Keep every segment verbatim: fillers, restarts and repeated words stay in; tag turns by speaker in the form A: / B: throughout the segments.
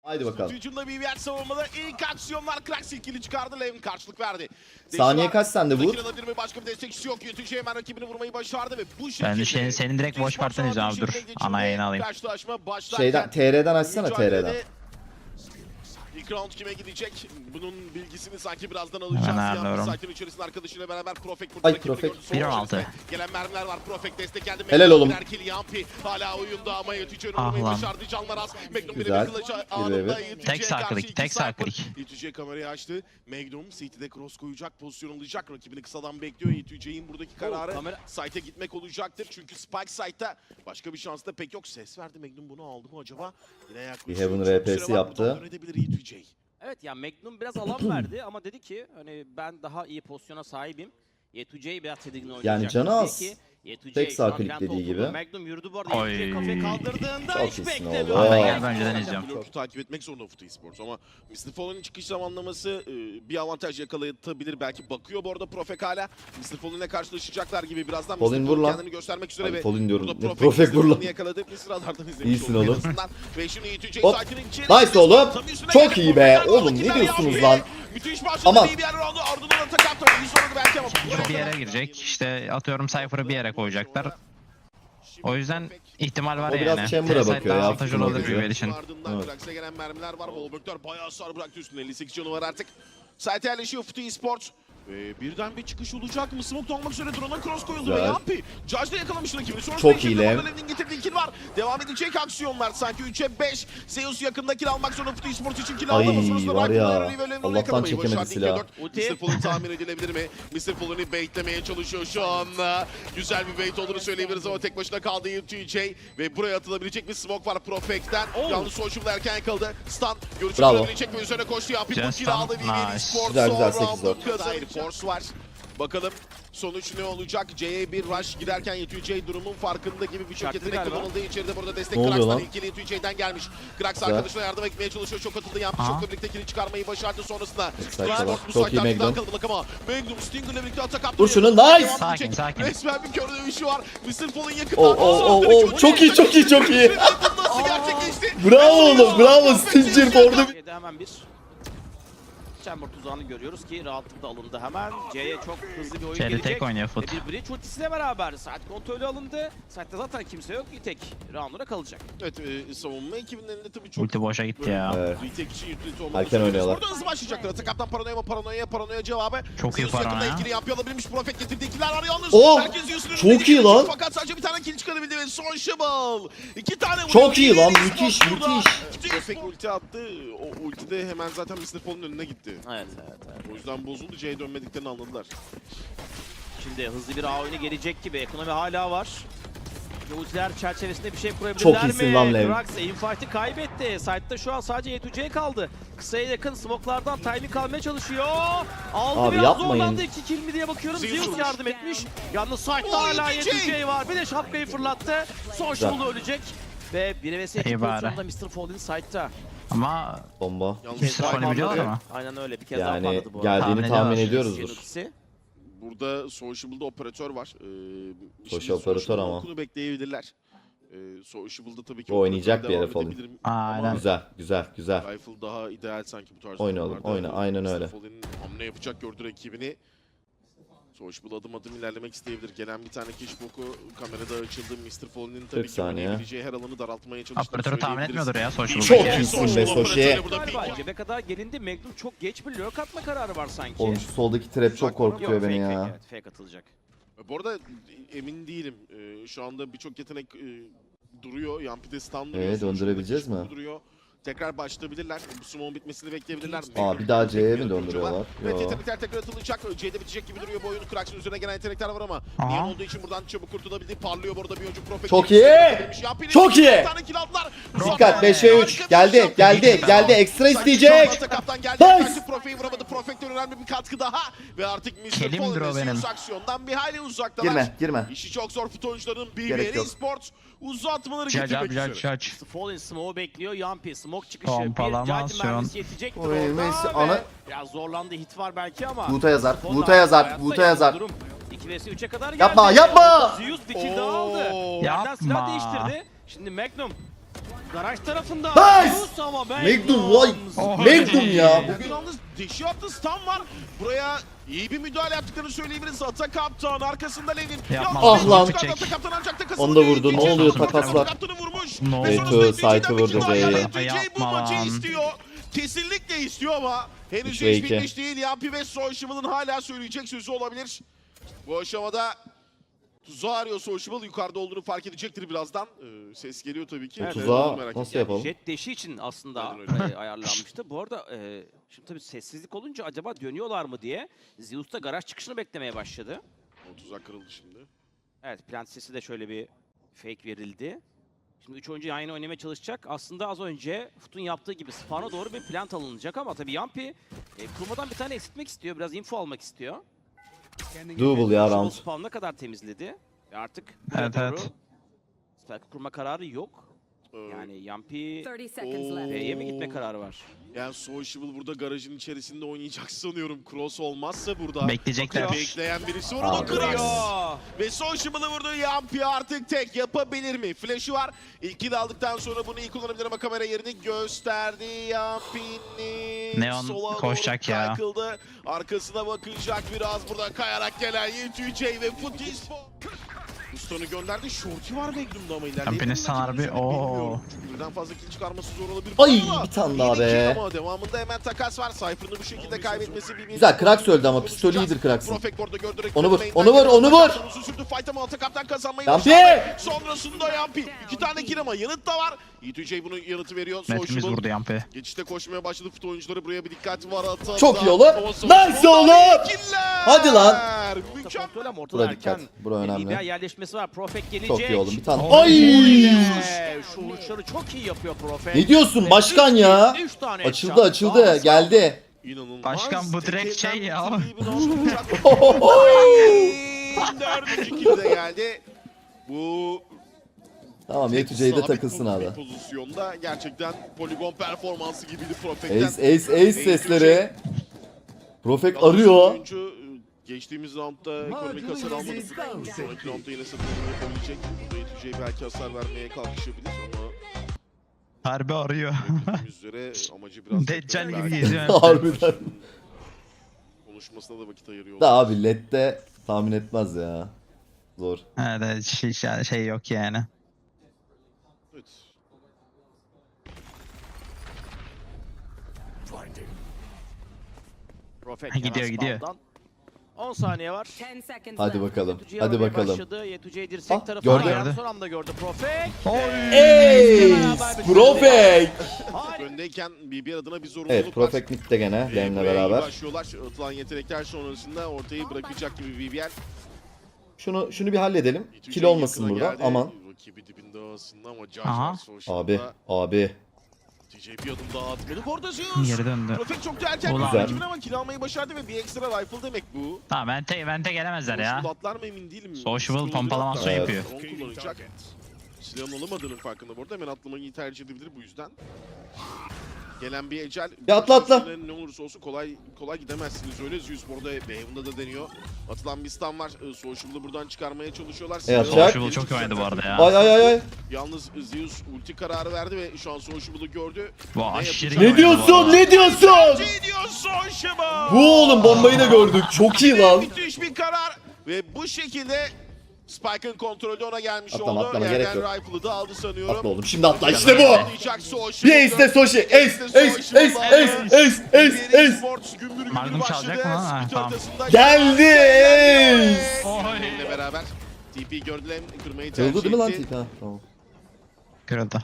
A: Haydi bakalım.
B: Hücumda B B R savunmada ilk aksiyonlar Krax ilkili çıkardı. Levin karşılık verdi.
A: Saniye kaç sende vur?
B: Bir başka bir destekçisi yok. Yönetici hemen rakibini vurmayı başardı ve bu şekilde.
C: Ben de senin, senin direkt boş partini izliyorum abi, dur. Ana yayını alayım.
A: Şeyden T R'den açsana T R'den.
B: İlk round kime gidecek? Bunun bilgisini sanki birazdan alacağız.
C: ayarlıyorum.
B: Site'in içerisinde arkadaşıyla beraber Profek
A: Ay,
B: burada
A: Profek.
B: rakibi
C: bir on altı.
B: Gelen mermiler var. Profek destek geldi.
A: Helal oğlum.
B: Erkil Yampi hala oyunda ama Yetice'nin
C: Ah
B: vurmayı
C: lan.
B: başardı. Canlar az. Magnum bir
A: Güzel.
B: kılıcı
A: Bir
B: anında
A: ve bir.
B: Yetice'ye
C: Tek sağ
B: karşı
C: klik,
B: iki
C: tek sağ
B: sniper.
C: klik.
B: Yetice kamerayı açtı. Magnum City'de cross koyacak, pozisyon alacak. Rakibini kısadan bekliyor. Yetice'nin buradaki kararı
D: kamera-
B: site'e gitmek olacaktır. Çünkü Spike site'ta başka bir şans da pek yok. Ses verdi. Magnum bunu aldı mı acaba? Yine yaklaşıyor.
A: Bir Heaven
B: Çok
A: R P'si
B: süre var.
A: yaptı.
B: Buradan dönebilir Yetice.
D: Evet ya Magnum biraz alan verdi ama dedi ki hani ben daha iyi pozisyona sahibim. Yetuce'yi biraz tedirgin oynayacak.
A: Yani canı az.
D: Dedi ki, Yetuce
A: Tek sağ
D: şu an
A: klik
D: plant
A: dediği
D: oturdu.
A: gibi.
D: Magnum yürüdü bu arada.
C: Oy.
D: Yetuce'yi kafaya kaldırdığında
A: Çok
D: hiç
A: iyisin
D: beklemiyor.
A: oğlum.
C: Ben
A: Aa.
C: gel önceden izliyorum.
B: Blok'u takip etmek zorunda Footy Sports ama mister Fallen'in çıkış zamanlaması e, bir avantaj yakalayabilir. Belki bakıyor bu arada Profek hala. mister Fallen'le karşılaşacaklar gibi birazdan
A: Fallen
B: mister
A: vur lan.
B: kendini göstermek üzere
A: Abi
B: ve
A: Fallen diyorum.
B: burada
A: Ne
B: Profek,
A: Profek
B: mister
A: vur lan.
B: Fallen'ı yakaladı. Bir sıralardan izlemiş
A: İyisin
B: olduk en
A: oğlum.
B: azından. Ve şimdi Yetice'yi
A: Hop.
B: sakin içeri.
A: Nice oğlum.
B: Tabii üstüne
A: Çok
B: geldi
A: iyi be.
B: Profek'ler.
A: Oğlum
B: Oradaki
A: ne diyorsunuz
B: Yampi.
A: lan?
B: Müthiş başladı.
A: Aman.
B: Bir yer aldı. Ardından atak attı. İyi sordu belki ama.
C: Bir yere girecek. İşte atıyorum Cypher'ı bir yere koyacaklar. O yüzden ihtimal var
A: O biraz
C: yani.
A: Chamber'a
C: T-Site
A: bakıyor
C: daha
A: ya,
C: avantajlı
A: futbol
C: olabilir
A: bakıyor.
C: Büyüvel için.
B: Ardından
A: Evet.
B: Krax'e gelen mermiler var. Volbertör bayağı hasar bıraktı üstünde. elli sekiz canı var artık. Site yerleşiyor Footy Sports. Ve birden bir çıkış olacak mı? Smoke olmak üzere drone'a cross koyuldu ve
A: Güzel.
B: Yampi. Judge da yakalamış rakibini. Sonrasında
A: Çok
B: ikili
A: iyi Lev.
B: Lev'in getirdiği kill var. Devam edecek aksiyonlar. Sanki üçe beş. Zeus yakında kill almak zorunda Footy Sports için kill
A: Ay,
B: aldı. Ama sonrasında
A: var
B: Rifle
A: ya.
B: Larry'i ve Lev'in onu
A: Allah'tan
B: yakalamayı
A: çekemedi
B: başardı.
A: silahı.
B: ikiye dört.
D: Ulti.
B: mister Fallen tahmin edilebilir mi? mister Fallen'ı baitlemeye çalışıyor şu anda. Güzel bir bait olduğunu söyleyebiliriz ama tek başına kaldı T J. Ve buraya atılabilecek bir smoke var Profek'ten.
D: Oh.
B: Yalnız Sociable erken yakaladı. Stun görüşü
A: Bravo.
B: görebilecek ve üzerine koştu. Yampi
C: Güzel
B: bu kill
C: stun.
B: aldı. V V
C: Nice.
B: Sports
A: Güzel, güzel,
B: son
A: sekiz
B: roundu
A: dört.
B: kazandı. Force var. Bakalım sonuç ne olacak? C'ye bir rush girerken Y T J durumun farkında gibi birçok
D: Çaktı
B: yetenek
D: galiba.
B: kullanıldı. İçeride burada destek
A: Ne oluyor
B: Krax'tan
A: lan?
B: ilkili Y T J'den gelmiş. Krax
A: Güzel.
B: arkadaşına yardım etmeye çalışıyor. Çok atıldı. Yampi
C: Aha.
B: çokla birlikte kili çıkarmayı başardı sonrasında.
A: Backside
B: Sport
A: var.
B: bu
A: Çok iyi
B: site'den
A: Magnum.
B: kaldık ama Magnum Stinger'la birlikte atak attı.
A: Vur şunu,
B: Devam
A: nice.
B: edecek.
C: Sakin, sakin.
B: Resmen bir kör dövüşü var. mister Fallen yakında.
A: Oo, oo, oo, oo. Çok iyi, çok iyi, çok iyi.
B: Nasıl gerçekleşti?
A: Bravo oğlum, bravo. Stinger Ford'u.
D: C'de hemen bir Chamber tuzağını görüyoruz ki rahatlıkla alındı hemen. C'ye çok hızlı bir oyun
C: C'de
D: gelecek.
C: tek oynuyor
D: Ve
C: Foot.
D: bir bridge ultisiyle beraber saat kontrolü alındı. Saatte zaten kimse yok. Bir tek round'una kalacak.
B: Evet, e, savunma ekibinin elinde tabii çok
C: Ulti boşa gitti ya.
A: Evet.
B: retake için utility olmalı.
A: Erken oynuyorlar.
B: Burada hızlı başlayacaklar. Atakaptan paranoya mı paranoya paranoya cevabı.
C: Çok iyi
B: Zeus yakında
C: paranoya.
B: ikili yapıyor alabilmiş. Profet getirdi ikiler var yalnız.
A: Oh,
B: Herkes Zeus'un
A: çok
B: önünde
A: iyi
B: iki
A: lan.
B: Fakat sadece bir tane kill çıkarabildi ve Sociable. İki tane vuruyor.
A: Çok iyi lan,
B: Yeni
A: müthiş,
B: spot burada.
A: müthiş.
B: Profet ulti attı. O ultide hemen zaten mister Fallen'ın önüne gitti.
D: Evet evet evet.
B: O yüzden bozuldu. C'ye dönmediklerini anladılar.
D: Şimdi hızlı bir A oyunu gelecek gibi. Ekonomi hala var. Ultiler çerçevesinde bir şey kurabilirler
A: Çok
D: mi?
A: iyisin lan Lev.
D: Krax aimfight'ı kaybetti. Side'da şu an sadece Y iki J kaldı. Kısaya yakın smoke'lardan timing almaya çalışıyor. Aldı
A: Abi
D: biraz
A: yapmayın.
D: zorlandı. iki kill mi diye bakıyorum.
B: Zeus
D: Zeus yardım etmiş. Yalnız side'da
B: Oh,
D: hala
B: Y
D: Y
B: iki J.
D: iki J var. Bir de şapkayı fırlattı. Sociable ölecek. Ve bir vs iki
C: İyi bari.
D: pozisyonda mister Fallen side'da.
C: Ama
A: Bomba.
B: Yalnız
C: mister
B: Spike
C: Fallen biliyorlar
B: anladı.
C: ama.
D: Aynen öyle. Bir kez daha
A: Yani
D: patladı bu arada.
A: geldiğini
C: Tahmin
A: tahmin
C: ediyoruz.
A: ediyoruzdur.
D: Ikisi.
B: Burada Sociable'da operatör var. Ee,
A: Social
B: şimdi
A: operatör
B: Sociable'ın
A: ama.
B: okunu bekleyebilirler. Ee, Sociable'da tabii ki
A: O oynayacak
B: operatör
A: bir yere
B: devam
A: Fallen.
B: edebilirim.
C: Aynen.
B: Ama
A: Güzel, güzel, güzel.
B: Rifle daha ideal sanki bu tarz
A: Oyna oğlum,
B: oyunlarda.
A: oyna, aynen
B: mister
A: öyle.
B: Fallen'in hamle yapacak gördü rakibini. Sociable adım adım ilerlemek isteyebilir. Gelen bir tane Kishboku kamerada açıldı. mister Fallen'in tabii
A: kırk
B: ki
A: saniye.
B: oynayabileceği her alanı daraltmaya çalıştığını
C: Operatörü tahmin
B: söyleyebiliriz.
C: etmiyordur ya Sociable.
A: Çok
C: belki.
A: iyisin be,
B: Sociable
A: Soşi.
B: operatörü burada
D: Galiba
B: pink.
D: cebe kadar gelindi. Magnum çok geç bir lurk atma kararı var sanki.
A: Oğlum şu soldaki trap çok korkutuyor
D: Yok,
A: beni
D: fake,
A: ya.
D: Fake, evet, fake atılacak.
B: Bu arada emin değilim. Ee, şu anda birçok yetenek e, duruyor. Yampi'de stun duruyor.
A: Ee,
B: Sociable'da
A: döndürebileceğiz
B: Kishboku
A: mi?
B: Duruyor. Tekrar başlayabilirler. Bu sumon bitmesini bekleyebilirler.
A: Aa, bir daha C'ye mi döndürüyorlar?
B: Evet,
A: Yo.
B: yetenekler tekrar atılacak. C'de bitecek gibi duruyor bu oyun. Krax'ın üzerine gelen yetenekler var ama
C: Aha.
B: Neon olduğu için buradan çabuk kurtulabildi. Parlıyor bu arada bir oyuncu Profet.
A: Çok iyi! Çok iyi!
B: Bir tane kill aldılar.
A: Dikkat beşe üç. Geldi, geldi, geldi. Ekstra isteyecek.
B: Kaptan geldi.
A: Nice!
B: Karşı Profet'i vuramadı. Profet'ten önemli bir katkı daha. Ve artık mister
C: Kelimdir o
B: Fallen
C: benim.
B: aksiyondan bir hayli uzaktalar.
A: Girme, girme.
B: İşi çok zor fut oyuncularının
A: Gerek
B: B B R
A: yok.
B: Esports uzatmaları
C: Judge
B: getirmek
C: abi judge
B: üzere.
C: judge.
D: Fallen smoke'u bekliyor. Yampi smoke çıkışı.
C: Pompalamasyon.
D: Bir Judge mermisi yetecektir
A: Oy,
D: orada.
A: Messi,
D: ve
A: ana-
D: Biraz zorlandı. Hit var belki ama.
A: Vuta yazar,
D: Fallen
A: Vuta yazar,
D: hayatta
A: Vuta
D: yani
A: yazar.
D: durum iki vs üçe kadar geldi.
A: Yapma, yapma!
D: Zeus bir kill daha aldı.
B: Oo.
D: Yerden silah
C: Yapma.
D: değiştirdi. Şimdi Magnum Garaj tarafında.
A: Nice!
D: Zeus ama
A: Magnum vay.
C: Oh.
A: Magnum ya.
B: Bugün yalnız deşi attı, stun var. Buraya iyi bir müdahale yaptıklarını söyleyebiliriz. Ata Kaptan arkasında Levin.
C: Yapma.
B: Yalnız
A: Ah lan.
B: çıkardı Ata Kaptan ancak takasını
A: Onu da
B: değil.
A: vurdu. Ne
B: İkinci
A: oluyor
B: Ata
A: takaslar?
B: Kaptan'ı vurmuş.
C: Ne
B: Ve
C: oluyor?
B: sonrasında
A: Eto,
B: ikinciden
A: Sait'i
B: bir
A: vurdu
B: kill daha
A: C'ye.
B: geldi. T J bu
C: Yapma
B: maçı
C: lan.
B: istiyor. Kesinlikle istiyor ama henüz
A: üç ve
B: iş
A: iki.
B: bitmiş değil. Yampi ve Sociable'ın hala söyleyecek sözü olabilir. Bu aşamada tuzağı arıyor Sociable. Yukarıda olduğunu fark edecektir birazdan. Ee, ses geliyor tabii ki.
D: Evet,
B: Ee,
A: tuzağı
B: merak
A: nasıl
B: ettim.
A: yapalım?
D: Jet deşi için aslında
B: Aynen
D: e, ayarlanmıştı. Bu arada e, şimdi tabii sessizlik olunca acaba dönüyorlar mı diye Zeus da garaj çıkışını beklemeye başladı.
B: O tuzak kırıldı şimdi.
D: Evet, plant sesi de şöyle bir fake verildi. Şimdi üç oyuncu aynı oynamaya çalışacak. Aslında az önce Fut'un yaptığı gibi spawn'a doğru bir plant alınacak ama tabii Yampi e, kurmadan bir tane esitmek istiyor. Biraz info almak istiyor.
A: Double ya
D: Şimdi
A: round.
D: spawn'a kadar temizledi. Ve artık
C: Evet,
D: buraya
C: evet.
D: doğru spike kurma kararı yok.
B: Ee,
D: Yani Yampi
E: thirty seconds
B: Oo.
E: left.
D: B'ye mi gitme kararı var?
B: Yani Sociable burada garajın içerisinde oynayacak sanıyorum. Cross olmazsa burada.
C: Bekleyecekler.
B: Bakıyor, bekleyen birisi var. O
A: Abi.
B: da Krax.
D: Vuruyor.
B: Ve Sociable'ı vurdu. Yampi artık tek yapabilir mi? Flash'ı var. İlki de aldıktan sonra bunu iyi kullanabilir ama kamera yerini gösterdi. Yampi'nin
C: Neon
B: sola
C: koşacak
B: doğru
C: ya.
B: kaykıldı. Arkasına bakacak biraz burada kayarak gelen Y two J ve Futis. Ustanı gönderdi. Shorty var Magnum'da ama ilerleyebilir.
C: Yampi'nin sanar bir- Oo.
B: Çünkü birden fazla kill çıkarması zor olabilir.
A: Ay,
B: Ama
A: bir tane daha
B: yine
A: be.
B: kill ama devamında hemen takas var. Cypher'ın bu şekilde kaybetmesi bir
A: Güzel, Krax öldü ama pistolü iyidir Krax'ın.
B: Profek orada gördü.
A: Onu vur,
B: Main'den
A: onu vur,
B: gelen
A: onu vur.
B: Atakaptan uzun sürdü. Fight ama Atakaptan kazanmayı
A: Yampi!
B: başardı. Sonrasında Yampi. İki tane kill ama yanıt da var. Y two J bunun yanıtı veriyor.
C: Netimiz
B: Sociable
C: vurdu Yampi.
B: geçişte koşmaya başladı. Fut oyuncuları buraya bir dikkat var. Ata
A: Çok iyi oğlum.
B: Ama Sociable
A: Nice oğlum.
B: killer.
A: Hadi lan.
B: Mükemmel.
D: Kontrol ama ortada
A: Bura dikkat.
D: erken
A: Bura
D: bir
A: önemli.
D: B B yerleşmesi var. Profek gelecek.
A: Çok iyi oğlum. Bir tane.
C: Ay.
A: Ay!
D: Ee, Şu vuruşları çok iyi yapıyor Profek.
A: Ne diyorsun
D: Ve
A: başkan
D: üç
A: ya?
D: kill, üç tane
A: Açıldı
D: headshot.
A: açıldı.
D: Daha
A: Geldi.
B: İnanılmaz.
C: Başkan bu direkt
B: Tekelden
C: şey ya.
B: bitirdiği bir olacak. Dördüncü kill de geldi. Bu
A: Tamam Y two J'de
B: sabit
A: takılsın
B: bir
A: abi.
B: pozisyonda gerçekten poligon performansı gibiydi Profek'ten.
A: Ace ace ace sesleri. Profek arıyor.
B: Oyuncu geçtiğimiz roundda ekonomik hasar almadı. Sonraki roundda yine satılımı yapabilecek. Burada Y two J belki hasar vermeye kalkışabilir ama
C: Harbi arıyor.
B: gördüğümüz üzere amacı biraz...
C: Deccal gibi
B: Belki
C: geziyor.
A: Harbiden.
B: konuşmasına da vakit ayırıyor.
A: Da abi L E D'de tahmin etmez ya. Zor.
C: Evet şey, şey- şey yok yani.
B: Evet.
D: Profek
C: Gidiyor,
D: hemen
C: gidiyor.
D: spawn'dan. on saniye var.
E: ten seconds
A: Hadi
E: left.
A: bakalım.
D: Y two J
A: Hadi
D: aramaya
A: bakalım.
D: Başladı. Y two J dirsek
A: Ah,
D: tarafına
A: gördü.
D: ayağını son anda gördü Profek.
A: Ace! Profek!
D: Harika.
B: Öndeyken B B R adına bir zorunluluk
A: Evet
B: var.
A: Profek midde gene
B: Ee,
A: Lane'le
B: buraya iyi
A: beraber.
B: başlıyorlar. Atılan yetenekler sonrasında ortayı bırakacak gibi B B R.
A: Şunu şunu bir halledelim.
B: Y two J
A: Kill olmasın
B: yakına
A: burada.
B: geldi.
A: Aman.
B: Rakibi dibinde aslında ama Josh
C: Aha.
B: var Social'da.
A: Abi abi.
B: T J bir adım daha atmadı. Orada Zeus.
C: Geri döndü.
B: Profek çok da erken
C: Ulan.
B: gördü rakibini ama kill almayı başardı ve bir ekstra rifle demek bu.
C: Tamam vente, vente gelemezler ya.
B: Sociable atlar mı emin değilim.
C: Sociable
B: Skill
C: pompalaması
B: atlar.
A: yapıyor.
B: Drone kullanacak. Silahın olamadığının farkında bu arada. Hemen atlamayı tercih edebilir bu yüzden. Gelen bir ecel.
A: Ya atla, atla.
B: Üstüne Ne olursa olsun kolay kolay gidemezsiniz öyle. Zeus bu arada Beyhun'da da deniyor. Atılan bir stun var. Ee, Sociable'ı buradan çıkarmaya çalışıyorlar. Silahı
A: atacak.
C: Sociable çok iyi oynadı bu arada ya.
A: Ay ay ay ay.
B: Yalnız Zeus ulti kararı verdi ve şu an Sociable'ı gördü.
C: Bu
B: Ne
C: aşırı
B: yapacak?
C: iyi
A: Ne
C: oynadı bu
A: diyorsun?
C: arada.
A: Ne diyorsun?
B: Ne diyor Sociable?
A: Bu oğlum bombayı da gördük. Çok iyi lan.
B: Müthiş bir karar ve bu şekilde Spike'ın kontrolü ona gelmiş
A: Atlama,
B: oldu.
A: atlama, gerek
B: Yerden
A: yok.
B: Rifle'ı da aldı sanıyorum.
A: Atla oğlum şimdi atla işte bu.
B: Atlayacak Sociable.
A: Bir ace de Soshi. Ace ace ace ace ace ace ace.
B: Sports gümbür gümbür
C: Magnum
B: başladı.
C: çalacak mı? Ha,
B: Split
C: tamam.
B: ortasında
A: Geldi ace.
B: Benimle beraber T P gördüler, kırmayı tercih
A: Kırıldı değil mi lan
B: etti.
A: T P? Ha tamam.
C: Kırıldı.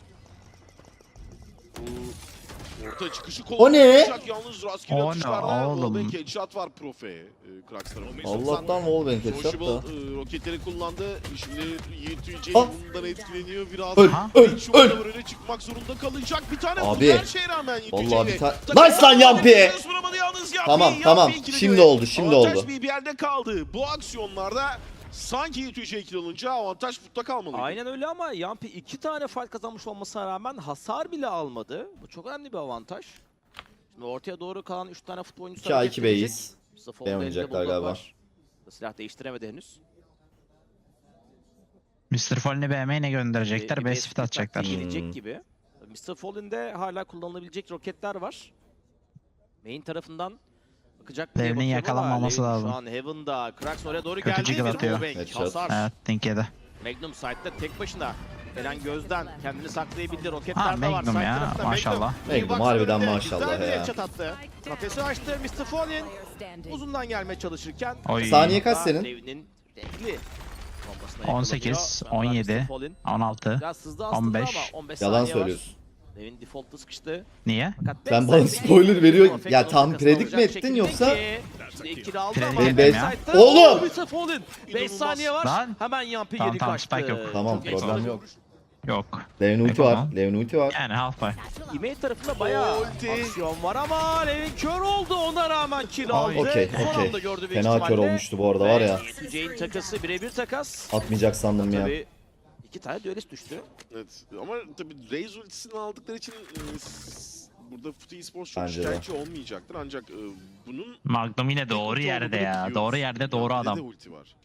B: Bu orta çıkışı
A: O ne?
B: kullanacak. Yalnız rastgele
C: O ne
B: atışlarla
C: oğlum?
B: wallbang headshot var Profe. E, Krax tarafından.
A: Allah'tan wallbang headshot
B: Sociable
A: da.
B: e, roketleri kullandı. Şimdi Y two J
A: Ah.
B: bundan etkileniyor biraz.
A: Öl
C: Ha?
A: öl
B: Şu
A: öl.
B: anda öne çıkmak zorunda kalacak. Bir tane
A: Abi,
B: vurdu her şeye rağmen Y two J'ye.
A: vallahi bir tane-
B: Takım
A: Nice lan Yampi!
B: Yalnız vuramadı yalnız Yampi.
A: Tamam,
B: Yampi
A: tamam.
B: ikili
A: Şimdi
B: göre.
A: oldu, şimdi
B: Avantaj
A: oldu.
B: bir yerde kaldı. Bu aksiyonlarda sanki Y two J kill alınca avantaj Foot'ta kalmalıydı.
D: Aynen öyle ama Yampi iki tane fight kazanmış olmasına rağmen hasar bile almadı. Bu çok önemli bir avantaj. Şimdi ortaya doğru kalan üç tane futbol oyuncusu
A: iki A
D: hareket
A: iki
D: edecek.
A: B'yiz.
D: Safon
A: B
D: elinde
A: oynayacaklar
D: bulldog
A: galiba.
D: var. Silah değiştiremedi henüz.
C: mister Fallen'i B M'ye ne gönderecekler?
D: Ee,
C: B
D: bir
C: shift atacaklar.
D: taktiği gelecek
A: Hmm.
D: gibi. mister Fallen'de hala kullanılabilecek roketler var. Main tarafından bakacak diye
C: Lev'nin
D: bakıyorum ama
C: yakalanmaması
D: Lev
C: lazım.
D: Şu an Heaven'da. Krax oraya doğru
C: Kötü
D: geldi.
C: jiggle
D: Bir
C: atıyor.
D: wallbang,
A: Headshot.
D: hasar.
C: Evet, Think yedi.
D: Magnum side'da tek başına. Gelen gözden kendini saklayabildi. Roketler
C: Ha,
D: de var.
C: Magnum
D: Side
C: ya,
D: tarafta
C: maşallah.
A: Magnum
D: Box
A: harbiden
D: önünde
A: maşallah
D: güzel bir
A: ya.
D: headshot attı. Kafesi açtı. mister Fallen uzundan gelmeye çalışırken.
C: Oy.
A: Saniye kaç senin?
D: Lev'nin renkli bombasına
C: on sekiz,
D: yakalanıyor.
C: on yedi,
D: mister Fallen
C: on altı.
D: biraz hızlı aslında
C: on beş.
D: ama on beş
A: Yalan
D: saniye var.
A: söylüyorsun.
D: Lev'in default'ta sıkıştı.
C: Niye?
D: Fakat
A: Sen
D: backside
A: bana spoiler veriyor.
D: Perfect
A: Ya
D: onun
A: tam
D: arkasına
A: predik mi
D: olacak
A: ettin
D: şekilde
A: yoksa?
D: ki, şimdi ikili aldı
C: Predik
D: ama
A: ettim
C: ya.
D: backside'da-
A: Oğlum!
D: mister Fallen beş
B: İnanılmaz.
D: saniye var.
C: Lan!
D: Hemen Yampi
C: Tamam,
D: geri
C: tamam,
D: kaçtı.
C: spike yok.
A: Tamam,
D: Çok
A: problem
D: ekstra.
A: yok.
C: Yok.
A: Lev'in ulti
C: Yok
A: var.
C: ama.
A: Lev'in ulti var.
C: Yani half buy.
D: E-mail tarafında bayağı
B: Ulti.
D: aksiyon var ama Levin kör oldu, ona rağmen kill aldı.
A: Okey,
D: Son
A: okey.
D: anda gördü büyük
A: Fena kör
D: ihtimalle.
A: olmuştu bu arada var ya.
D: Ve Jane takası birebir takas.
A: Atmayacak sandım ya.
D: Tabii iki tane düelist düştü.
B: Evet ama tabii Raze ultisini aldıkları için e, s- burada Futu Esports çok
A: Bence de.
B: şikayetçi olmayacaktır ancak e, bunun
C: Magnum yine doğru
B: ulti
C: yerde
B: olduğunu
C: ya.
B: biliyoruz.
C: Doğru yerde doğru
B: Yampi'de
C: adam.
B: de ulti var.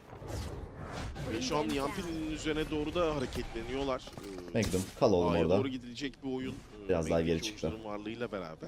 B: Ve şu an Yampi'nin üzerine doğru da hareketleniyorlar. E,
A: Magnum kal oğlum
B: A'ya
A: orada.
B: doğru gidilecek bir oyun. e,
A: Biraz daha
B: Magnum
A: geri çıktı.
B: oyuncuların varlığıyla beraber.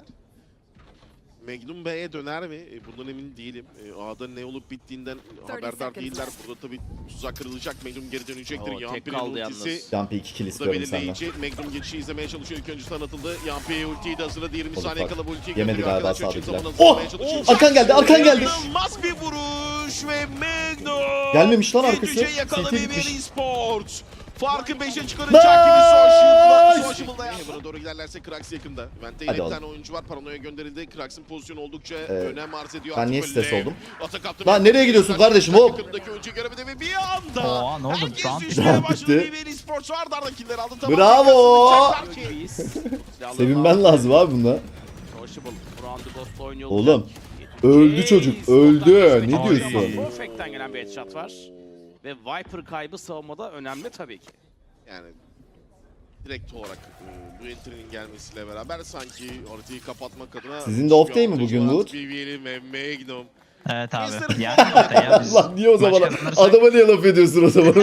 B: Magnum B'ye döner mi? E, bundan emin değilim. E, A'da ne olup bittiğinden haberdar
E: seconds
B: değiller.
E: left.
B: Burada tabii tuzak kırılacak. Magnum geri dönecektir.
D: Oo, tek
B: Yampi'nin
D: kaldı
B: ultisi.
D: yalnız.
A: Jumpy iki kill
B: Bu da
A: istiyorum senden.
B: belirleyici. Magnum geçişi izlemeye çalışıyor. İlk öncesi tanıtıldı. Yampi ultiyi de hazırladı. yirmi
A: Olur
B: saniye
A: bak.
B: kala bu ultiyi
A: Yemedi
B: gönderiyor
A: galiba
B: arkadaşlar. Çift
A: sağdakiler.
B: zaman
A: Oh!
B: hazırlamaya çalışıyor.
A: Arkan geldi, arkan geldi.
B: İnanılmaz bir vuruş ve Magnum.
A: Gelmemiş lan arkası.
B: Yetüce yakalamayı
A: C T
B: bir
A: bitmiş.
B: eSports. Farkı beşe çıkaracak gibi Social'da.
A: Nice!
B: Social'da yani. Buna doğru giderlerse Krax yakında. Vent'te
A: Hadi
B: yine bir
A: oğlum.
B: tane oyuncu var. Paranoya gönderildi. Krax'ın pozisyonu oldukça önem arz ediyor.
A: ben
B: Artık
A: niye
B: böyle
A: stres oldum?
B: atak attı.
A: Lan nereye gidiyorsun kardeşim, hop?
B: Yakındaki oyuncuyu göremedi ve bir anda
C: Oha, ne oldu?
B: herkes
C: Round
B: düşmeye
A: bitti.
B: başladı. Bir eSports arda arda killer aldı. Tamam,
A: Bravo!
B: yakasını çaklar ki.
A: Sevinmen lazım abi bunda.
D: Sociable. Round'u Ghost oynuyor.
A: Oğlum, öldü çocuk, öldü. Ne
C: diyorsun?
D: Perfect'ten gelen bir headshot var. Ve Viper kaybı savunmada önemli tabii ki.
B: Yani direkt olarak e, bu entry'nin gelmesiyle beraber sanki haritayı kapatmak adına
A: Sizin de off day mi bugün Wood?
B: B B L'in ve Magnum.
C: Evet abi.
B: Mister
C: Ya, ya biz
A: Allah niye o zaman?
C: maç kazanırsak-
A: Adama niye laf ediyorsun o zaman?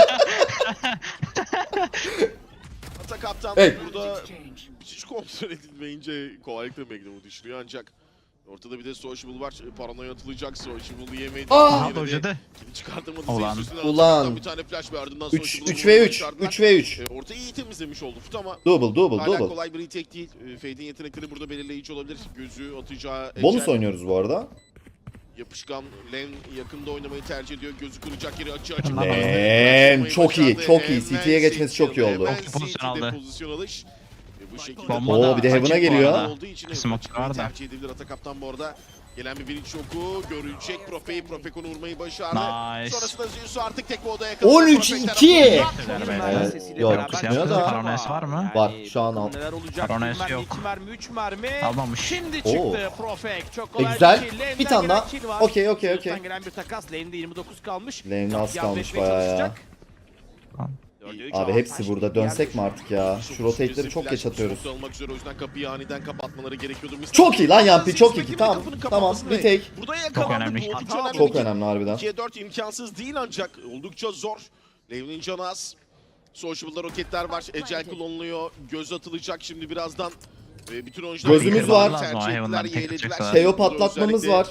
B: Ata kaptan
A: Hey.
B: burada hiç kontrol edilmeyince kolaylıkla Magnum'u düşürüyor ancak ortada bir de Sociable var. Paranoya atılacak. Sociable'ı yemedi.
A: Ah!
B: Yine de
C: Dojladı.
B: kili çıkartamadı.
C: Ulan.
B: Üstüne
A: Ulan.
B: atıldı. Bir tane flash ve ardından
A: üç
B: Sociable'ı
A: üç ve üç.
B: çıkardılar.
A: üç ve üç.
B: E, Ortayı iyi temizlemiş oldu Fut ama
A: Double double
B: hala
A: double.
B: kolay bir retake değil. E, Fade'in yetenekleri burada belirleyici olabilir. Gözü atacağı
A: Bonus
B: Ecel,
A: oynuyoruz bu arada.
B: yapışkan Len yakında oynamayı tercih ediyor. Gözü kıracak yeri açı açı.
A: Len, çok iyi, çok iyi. C T'ye geçmesi çok iyi oldu.
B: Hemen
C: Çok pozisyon
B: C T'de
C: aldı.
B: pozisyon alış. Ve bu şekilde
C: Bomba
A: Oo,
C: da
A: bir de Heaven'a
C: açık bu
A: geliyor.
C: arada.
B: olduğu için
C: Smoke
B: çıkmayı
C: var da.
B: tercih edebilir. Ata kaptan bu arada. Gelen bir bilinç oku görecek. Profe'yi Profekon'u vurmayı başardı.
C: Nice.
B: Sonrasında Zeus'u artık tek odaya yakaladı.
A: on üç
B: Profek
A: iki.
B: tarafından-
A: Evet,
D: Sesiyle
A: yok,
D: beraber
A: çıkmıyor
D: çıktı.
A: da.
C: Paranojisi var mı?
A: Var, şu an al.
D: Neler olacak?
C: Paranojisi
D: Bir mermi,
C: yok.
D: iki mermi, üç mermi.
C: Almamış.
D: Şimdi
A: Oo.
D: çıktı Profek. Çok kolay
A: E, güzel.
D: bir kill. Lane'den
A: Bir tane
D: gelen
A: daha.
D: kill var.
A: Okey, okey,
D: Zeus'tan
A: okey.
D: gelen bir takas. Lane'de yirmi dokuz kalmış.
A: Lane'de az
D: Yardım
A: kalmış
D: etmeye
A: bayağı ya.
D: çalışacak.
C: Tamam.
D: Dörde üç
A: Abi
D: avantaj.
A: hepsi burada. Dönsek mi artık ya? Şu rotate'leri çok geç atıyoruz.
B: Smoke olmak üzere o yüzden kapıyı aniden kapatmaları gerekiyordu. Mister
A: Çok iyi lan Yampi,
B: Siz
A: çok iyi.
B: rakibin
A: Tamam,
B: kapının
A: tamam.
B: kapatmasını
A: Bir tek.
B: Burada yakalandı.
C: önemli.
B: Bu oldukça
D: Hata
B: önemli.
A: Çok
B: bir
A: önemli harbiden.
B: ikiye dört imkansız değil ancak oldukça zor. Levnin canı az. Sociable'da roketler var. Ecel kullanılıyor. Göz atılacak şimdi birazdan. Ve bütün oyuncular
A: Gözümüz var.
C: Lazım o Heaven'dan tek atacaklar.
A: Teo patlatmamız var.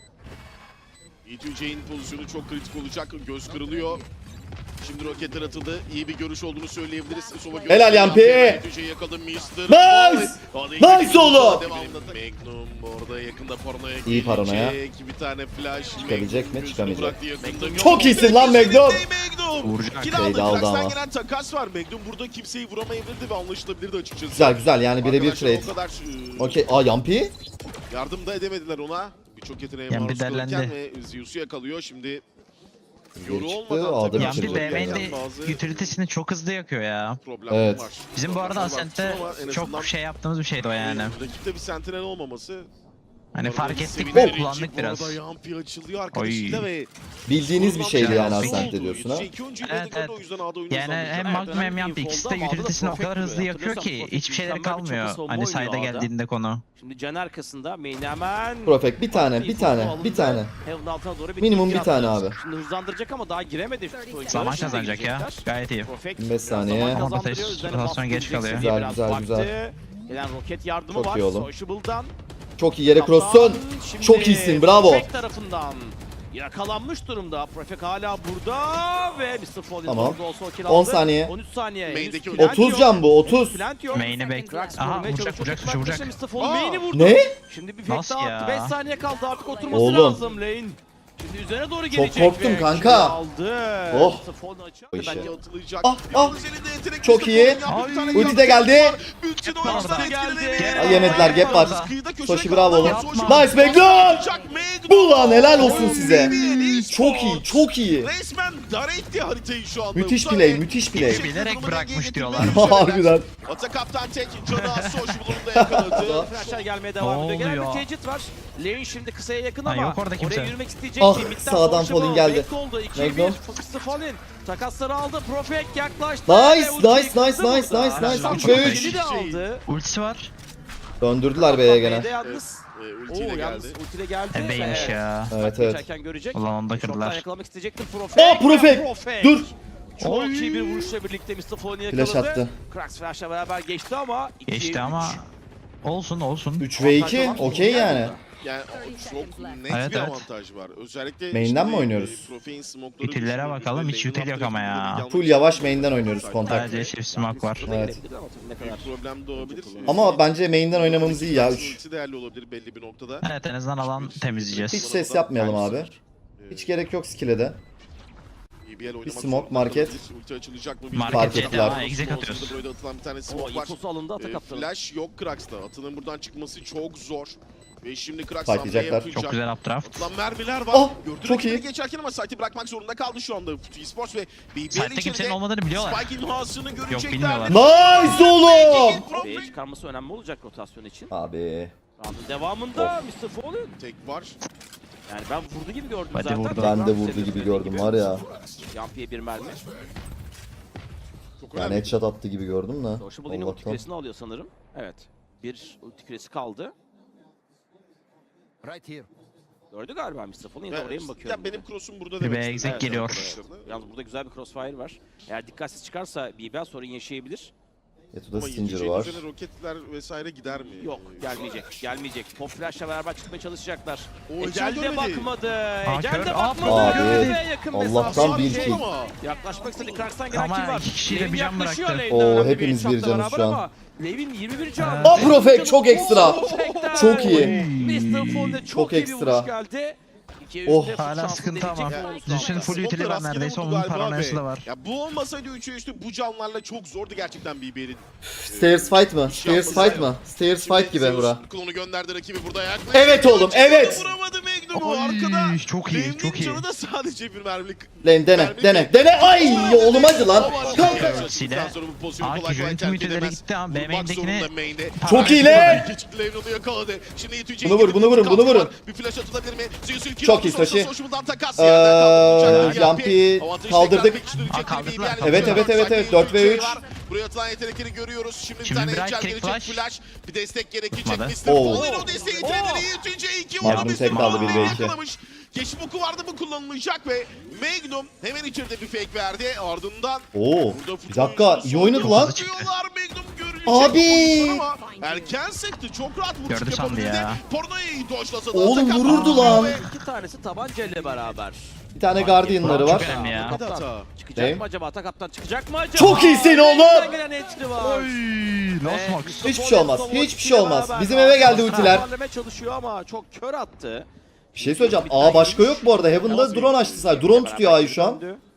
B: E iki J'in pozisyonu çok kritik olacak. Göz kırılıyor. Şimdi roketler atıldı. İyi bir görüş olduğunu söyleyebiliriz. Sova görüşü
A: Helal Yampi.
B: E iki J'yi yakaladı mister
A: Nice! Nice oğlum!
B: Magnum orada yakında paranoya
A: İyi paranoya.
B: gelecek. Bir tane flash.
A: Çıkabilecek
B: Magnum
A: mi?
B: gözünü
A: Çıkamayacak.
B: bıraktı yakında.
A: Çok iyisin lan Magnum!
B: Magnum.
C: Vuracak.
B: Kill
A: Fade
B: aldı.
A: aldı
B: Krax'tan
A: ama.
B: gelen takas var. Magnum burada kimseyi vuramayabilirdi ve anlaşılabilirdi açıkçası.
A: Güzel güzel yani birebir
B: Arkadaşlar
A: trade.
B: o kadar e,
A: Okey. Aa Yampi?
B: yardım da edemediler ona. Birçok yeteneğe
C: Yampi
B: maruz kalırken
C: derlendi.
B: ve Zeus'u yakalıyor. Şimdi
A: Geri
B: yoru
A: çıktı,
B: olmadan
A: A'da
B: takım
A: bitirdi.
C: Yampi
B: içinde
C: B M'de
B: bazı
C: utility'sini çok hızlı yakıyor ya.
B: problemler
A: Evet.
B: var.
C: Bizim bu arada
B: Problemler var
C: Ascent'te
B: ama en azından
C: çok şey yaptığımız bir şeydi o yani.
B: Rakipte bir sentinel olmaması
C: Hani
B: Orada
C: fark ettik
B: sevindirici.
C: ve kullandık
B: Bu
C: biraz.
B: arada Yampi açılıyor arkadaşıyla ve
A: Bildiğiniz bir şeydi
B: Kullanılan
A: yani
B: bir
A: Ascent
B: oldu.
A: ediyorsun ha.
B: İki oyuncuyu
C: Evet,
B: birlikte
C: evet.
B: o yüzden A'da oyunu
C: Yani
B: hızlandıracak.
C: hem
D: Evet,
C: Magnum hem
D: önemli
C: Yampi
D: bir
C: ikisi de
D: infolda ama
C: utility'sini o
D: Profect
C: kadar hızlı
D: duruyor.
C: yakıyor ki
D: Hatırlıyorsan
C: hiçbir şeyleri
D: mükemmel bir
C: kalmıyor.
D: çapı savunma
C: Hani side'a
D: oynuyor A'da.
C: geldiğinde konu.
D: Şimdi Can arkasında main hemen.
A: Profek bir tane,
D: Farklı
A: bir
D: infosu
A: tane,
D: alındı.
A: bir tane.
D: Heaven altına doğru bir
A: Minimum
D: tick
A: bir tane
D: attı.
A: abi.
D: Şimdi hızlandıracak ama daha giremedi. Oyuncular
C: Zaman
D: şimdi
C: kazanacak ya.
D: girecekler.
C: Gayet iyi.
D: Profect
A: yirmi beş
D: biraz
A: saniye.
D: zaman
A: Ama
D: kazandırıyor.
C: rotasyon
D: Üzerine baskı
C: geç
D: gelecek
C: kalıyor.
D: seviye
A: Güzel,
D: biraz
A: güzel,
D: baktı.
A: güzel.
D: Gelen roket yardımı
A: Çok
D: var.
A: iyi oğlum.
D: Sociable'dan.
A: Çok iyi yere cross'sun.
D: Şimdi
A: Çok iyisin, bravo.
D: Profect tarafından yakalanmış durumda. Profect hala burada ve mister Fallen
A: Tamam.
D: orada olsa o kill
A: on
D: aldı.
A: saniye.
D: on üç saniye.
B: Main'deki
D: Henüz plant
A: otuz
D: yok.
A: can bu, otuz.
D: Plant yok.
C: Main'i bek.
D: Krax
C: Aha
D: vurmaya
C: vuracak
D: çalışıyor.
C: vuracak
D: Takım
C: vuracak.
D: arkadaşı mister Fallen
B: Aa.
D: main'i vurdu.
A: Ne?
D: Şimdi bir fake
C: Nasıl
D: daha
C: ya?
D: attı. beş saniye kaldı artık oturması
A: Oğlum.
D: lazım lane. Şimdi üzerine doğru gelecek.
A: korktum
D: ve
A: kanka.
D: kill aldı.
A: Oh.
D: mister Fallen açıyor.
A: Bu işe.
D: Bence
B: Atılacak.
A: Ah,
B: Yalnız
A: ah.
B: elinde yetenek
A: Çok
B: Mister
A: iyi.
B: Fallen yaptı. Bir tane
C: Ay.
A: Ulti de
B: yaptı.
A: geldi.
B: Bütün
C: Yapma
B: oyuncular
C: orada.
B: etkiledi.
D: Geldi.
A: Ay, yemediler, gap var.
B: Kıyıda köşede
A: Soşi
B: kaldı
A: bravo
B: ama
A: oğlum.
B: Soşi
A: Nice Magnum.
B: Magnum.
A: Ulan helal olsun
B: Oy,
A: size.
B: B B L
A: Çok iyi, çok iyi.
B: Resmen dar etti haritayı şu anda.
A: Müthiş
B: Bu
A: play,
B: saniye
A: müthiş
B: bir
A: play.
B: şekilde
C: Bilerek
B: durumu
C: bırakmış
B: dengeye
C: diyorlar.
B: getirmeyi
A: Harbiden.
B: Ata kaptan tek canı az Sociable'ını da yakaladı.
D: Flashlar gelmeye devam
C: Ne
D: ediyor. Gelen bir
C: oluyor?
D: Caged var. Lane şimdi kısaya yakın
C: Ha,
D: ama
C: yok orada kimse.
D: oraya yürümek isteyecek.
A: Ah,
D: ki. Midden
A: sağdan
D: Sociable
A: Fallen geldi.
D: break oldu. ikiye bir.
A: Magnum.
D: mister Fallen takasları aldı. Profect yaklaştı.
A: Nice,
D: ve ultiyi
A: nice,
D: kırdı
A: nice, nice,
D: burada.
A: nice, nice.
D: Şampiyon
C: üç ve
A: üç.
D: yedi de aldı.
C: Ultisi var.
A: Döndürdüler B'ye
D: B'de
A: gene.
D: yalnız.
B: Ee,
D: Oo
B: ultiyle
D: yalnız
B: geldi.
D: ultiyle geldi.
C: E B'ymiş
D: ve
C: ya.
A: Evet evet.
D: geçerken görecek.
C: Ulan onu da
D: Şoktan
C: kırdılar.
D: yakalamak isteyecektir Profect.
A: Aa, Profect!
D: ve Profect.
A: Dur.
D: Çok
C: Oy.
D: iyi bir vuruşla birlikte mister Fallen'i yakaladı.
A: Flash attı.
D: Krax Flash'la beraber geçti ama ikiye
C: Geçti
D: üç.
C: ama olsun olsun.
A: üç ve iki,
D: Avantajlı olan
A: okey
D: Fallen
A: yani.
D: burada.
B: Yani o çok net
C: Evet,
B: bir
C: evet.
B: avantaj var. Özellikle
A: Main'den
B: şimdi,
A: mi oynuyoruz?
B: e, Profe'in smoke'ları
C: Ütillere
B: düşünüldüğünde
C: bakalım, hiç
B: lane'in
C: util
B: alt
C: yok ama
B: tarafında
C: ya.
B: bir yanlış-
A: Full yavaş main'den oynuyoruz kontak.
C: Sadece çift smoke var.
D: Şurada
A: Evet.
D: girebilir ama tabii ne kadar.
B: Büyük problem doğabilir.
A: Ama bence main'den oynamamız iyi ya. üç.
B: Ulti değerli olabilir belli bir noktada.
C: Evet en azından alan temizleyeceğiz.
A: Hiç ses yapmayalım abi. Hiç gerek yok skill'e de.
B: B B L oynamak
A: smoke,
B: zorunda
A: market.
B: kalabilir. Ulti açılacak mı?
C: Market
A: Fark ettiler.
C: Aa, exec atıyoruz.
B: Burada atılan bir tane
D: O
B: smoke var.
D: infosu alındı
B: Ee,
D: atak attı.
B: flash yok Krax'ta. Atının buradan çıkması çok zor. Ve şimdi Krax
A: Fightlayacaklar.
B: hamle yapacak.
C: Çok güzel updraft.
B: Atılan mermiler var.
A: Oh,
B: Gördü
A: çok
B: rakibini
A: iyi.
B: geçerken ama site'i bırakmak zorunda kaldı şu anda Futu Esports ve B B L
C: Site'de kimsenin
B: içeride
C: olmadığını biliyorlar.
B: Spike imhasını görecekler.
C: bilmiyorlar.
A: Nice oğlum.
D: B'ye çıkarması önemli olacak rotasyon için.
A: Abi.
D: Round'un devamında mister Fallen.
B: Tek var.
D: Yani ben vurdu gibi gördüm
C: Hadi
D: zaten.
C: vurdu.
A: Ben de
D: Tekrar
A: vurdu
D: senin
A: gibi
D: söylediğin
A: gördüm var ya.
D: Yampi'ye bir mermi.
B: Çok
A: Yani
B: önemli.
A: headshot attı gibi gördüm de.
D: Sociable yine ulti
A: Allah'tan.
D: küresini alıyor sanırım. Evet. Bir ulti küresi kaldı.
E: Right here.
D: Gördü galiba mister Fallen. Yine de oraya mı bakıyorum?
B: Ya benim cross'um burada
C: Bir
B: demek
C: B
B: istedim.
C: exec
B: Evet,
C: geliyor.
B: arkadaşlar.
D: Yalnız burada güzel bir crossfire var. Eğer dikkatsiz çıkarsa B B L sorun yaşayabilir.
A: Yatu'da
B: Ama
A: Stinger
B: yeteceği
A: var.
B: üzerine roketler vesaire gider mi?
D: Yok
B: Ee,
D: gelmeyecek. Gelmeyecek. Pop Flash'la beraber çıkmaya çalışacaklar.
B: O
D: Ecel
B: Ecel
D: de
B: görmedi.
D: bakmadı.
C: Aa,
D: Ecel
C: kör.
D: de
C: Aa,
D: bakmadı.
A: Abi,
D: Ve yakın
A: Allah'tan
D: mesafe.
A: bir
B: Şey
A: kill.
B: ama.
D: Yaklaşmak istedi. Krax'tan gelen
C: Ama
D: kill var.
C: iki kişiyle
D: Levin
C: bir can
D: yaklaşıyor
C: bıraktı.
D: lane'den.
A: Oo,
D: Önemli
A: hepimiz
D: headshot'la
A: bir canız
D: beraber
A: şu an.
D: ama Levin yirmi bir can.
A: Aa, Profect çok ekstra.
D: Profect'ten.
A: Çok iyi.
D: mister Fallen'de çok,
A: Çok
D: iyi bir
A: ekstra.
D: vuruş geldi. İkiye
A: Oh,
D: üçte
C: hala
D: şansı
C: sıkıntı
D: deneyecek
C: ama.
D: bir bonus
C: Düşün,
D: aldı.
C: full
B: Smoke'la
C: utili var
B: rastgele
C: neredeyse,
B: vurdu
C: onun
B: galiba
C: paranoyası
B: ve-
C: da var.
B: Ya bu olmasaydı üçe üçte bu canlarla çok zordu gerçekten B B L'in.
A: Stairs fight mı? Stairs fight mı? Stairs fight gibi bura.
B: Klonu gönderdi rakibi burada yaklaşık.
A: Evet oğlum, evet.
B: Vuramadı Magnum'u
C: Ay,
B: arkada.
C: çok iyi,
B: Lane'in
C: çok iyi.
B: canı da sadece bir mermilik.
A: Lan dene, dene, dene. Ay oğlum hadi lan. Kanka.
C: Ultisiyle Aki Joint'in müteleri gitti ama B main'dekini
A: Çok iyi lan.
B: Levnon'u yakaladı. Şimdi Yetüce'yi
A: Bunu vur,
B: gidip
A: bunu vurun, bunu
B: kalktılar.
A: vurun.
B: Bir flash atılabilir mi? Zeus ülkeyi
A: Çok
B: aldı,
A: iyi
B: sonra
A: Sashi.
B: Sociable'dan takas
A: Ee,
B: yerden kaldıracak.
A: Yampi
B: Avantajı
A: kaldırdık.
B: tekrar pekiştirecek
C: Aa,
B: gibi
C: kaldırdılar,
B: bir yer
A: Evet,
B: yapıyor.
A: evet, evet, evet. dört ve
B: Yetüce
A: üç.
B: var. Buraya atılan yetenekleri görüyoruz. Şimdi bir
C: Şimdi
B: tane
C: bir
B: Ecel
C: right
B: gelecek.
C: click
B: Flash.
C: flash.
B: Bir destek gerekecek.
C: Tutmadı.
B: mister
A: Oo.
B: Fallen o desteği itirebilir. Yetüce iki
A: Magnum
B: vurdu.
A: tek kaldı, bir ve iki.
B: yakalamış. Geçim oku vardı mı kullanılacak ve Magnum hemen içeride bir fake verdi. Ardından
A: Oo.
B: burada
A: Bir dakika iyi oynadı lan.
B: Diyorlar Magnum görülecek.
A: Abi.
B: Ama erken sekti. Çok rahat vuruş
C: Gördü sandı
B: yapabildi.
C: ya.
B: Porno'yu doşlasa da
A: Oğlum
B: atak
A: vururdu
B: attı
A: lan.
B: ve
D: İki tanesi tabancayla beraber.
A: Bir tane Guardian'ları var.
C: Çok önemli ya.
B: Hadi hata.
D: Çıkacak
A: Ne?
D: mı acaba? Atakaptan çıkacak mı acaba?
A: Çok iyisin oğlum.
D: Elinden gelen entry var.
C: Lost
D: Ve
C: Mox.
D: mister
A: Hiçbir şey
D: Fallen
A: olmaz,
D: son
A: hiçbir şey
D: ultiyle
A: olmaz.
D: beraber
A: Bizim eve geldi
D: aslında
A: ultiler.
D: toparlamaya çalışıyor ama çok kör attı.
A: Bir şey söyleyeceğim. Aa başka yok bu arada. Heaven'da drone açtı sadece. Drone tutuyor A'yı şu an.
D: Döndü.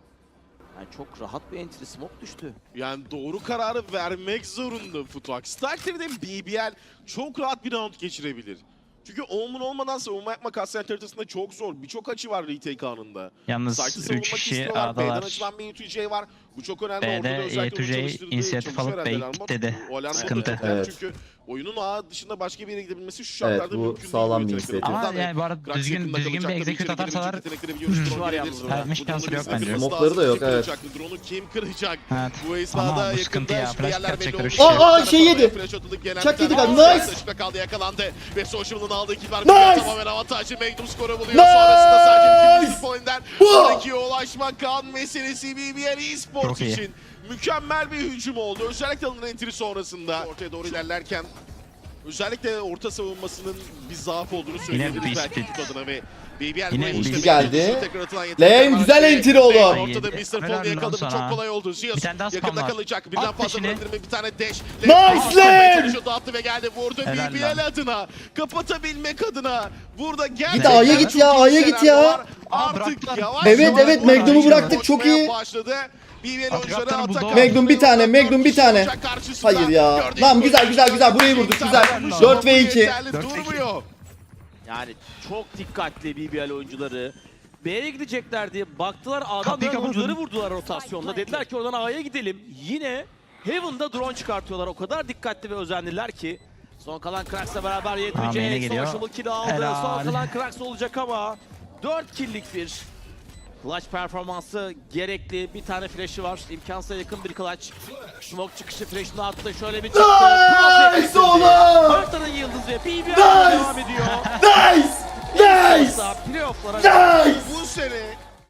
D: Yani çok rahat bir entry smoke düştü.
B: Yani doğru kararı vermek zorunda Futuax. Takdirde B B L çok rahat bir round geçirebilir. Çünkü Omen olmadan savunma yapmak Ascent haritasında çok zor. Birçok açı var retake anında.
C: Yalnız
B: Site'ı
C: üç
B: savunmak
C: kişi
B: istiyorlar. B'den
C: A'dalar.
B: açılan bir Yetüce var. Bu çok önemli.
C: B'de
B: Ortada özellikle
C: E iki J
B: onu çalıştırdığı
C: inisiyatif
B: çalışma
C: alıp
B: herhalde
C: B'ye
B: Alarmbot.
C: dedi.
B: O Alarmbot'un
C: Sıkıntı.
B: önemli.
A: Evet.
B: Çünkü oyunun ağı dışında başka bir yere gidebilmesi şu
A: Evet,
B: şartlarda
A: bu
B: mümkün değil.
A: sağlam
B: bu
A: bir
B: yetenekleri.
A: inisiyatif.
C: Ama
B: Buradan da
C: yani bu arada
B: Krax
C: düzgün
B: yakında
C: düzgün bir
B: kalacak. Tabii
C: execute
B: içeri
C: atarsalar
B: girebilecek yetenekleri biliyoruz.
D: Şu
B: Drone
D: var
B: gelebilir.
D: yalnız
B: Buradan
C: Vermiş
B: drone'un
C: şansı yok
B: izlemesi
C: bence.
B: lazım.
A: Smoke'ları da yok,
B: Kim
A: evet.
B: kıracak? Drone'u kim kıracak?
C: Evet.
B: Bu
C: Ama
B: esnada
C: bu sıkıntı
B: yakında
C: ya.
B: şimdi
C: Flash
B: yerler belli
C: kaçacaklar
B: olmuş.
C: işte.
A: Aa, aa, şey yedi.
B: Flash atıldık gelen
A: Çak
B: bir
A: yedik
B: tane
A: abi,
B: var.
A: nice.
B: Taşıkta kaldı yakalandı. Ve Social'ın aldığı kibar
A: Nice.
B: tamamen avantajlı. Magnum skoru buluyor.
A: Nice.
B: Sonrasında sadece bir pointten
A: Bu.
B: sonraki ulaşmak kan meselesi B B L eSports
C: Çok iyi.
B: için mükemmel bir hücum oldu. Özellikle alınan entry sonrasında ortaya doğru ilerlerken özellikle orta savunmasının bir zaaf olduğunu söyleyebiliriz
C: bir
B: belki
C: split.
B: Fut adına ve B B L
C: Yine
B: burayı
C: bir
B: işte
A: split
B: Magnum
A: geldi.
B: skoru tekrar atılan yetenekler
A: Lane
B: var.
A: güzel
B: Ve
A: entry oldu.
B: Lane ortada mister
C: Helal
B: Paul yakaladı. Bu
C: lan
B: çok
C: sana.
B: kolay oldu. Zios
C: Bir tane daha
B: yakında
C: spam var.
B: kalacak. Birden
C: At
B: fazla
C: peşini.
B: bırakır mı? Bir tane dash.
A: Nice Lane!
B: Şut attı ve geldi. Vurdu
C: Helal
B: B B L
C: lan.
B: adına. Kapatabilmek adına. Burada
A: Git
B: gerçekten
A: A'ya git ya,
B: çok iyi
A: A'ya git
B: şeyler
A: ya.
B: var. Artık
C: bıraktılar.
B: yavaş
A: Evet,
B: yavaş
A: evet,
B: bu
A: Magnum'u
B: oyuncular
A: bıraktık, çok
B: koşmaya
A: iyi.
B: Başladı. B B L
C: Atacaklar
B: oyuncuları
C: buldu.
B: atak
A: Magnum bir tane, Magnum bir tane. Hayır ya. Lan güzel, güzel, güzel. Burayı vurduk, güzel. dört ve iki.
B: Yeterli
C: dört ve iki.
B: durmuyor.
D: Yani çok dikkatli B B L oyuncuları. B'ye gidecekler diye baktılar. A'dan
C: Kapıyı
D: dönen oyuncuları
C: kapatın.
D: vurdular rotasyonda. Dediler ki oradan A'ya gidelim. Yine Heaven'da drone çıkartıyorlar. O kadar dikkatli ve özenliler ki. Son kalan Krax'la beraber
C: Tamam, yine
D: yetmeyecek.
C: geliyor.
D: Social kill aldı.
C: Helal.
D: Son kalan Krax olacak ama dört kill'lik bir clutch performansı gerekli. Bir tane flash'ı var. İmkansıza yakın bir clutch. Smoke çıkışı flash'ını attı. Şöyle bir çıktı.
A: Nice oğlum!
D: Haritanın yıldızı ve B B L
A: Nice!
D: devam ediyor.
A: Nice! Nice!
D: Playoff'lara
A: Nice!
B: Bu sene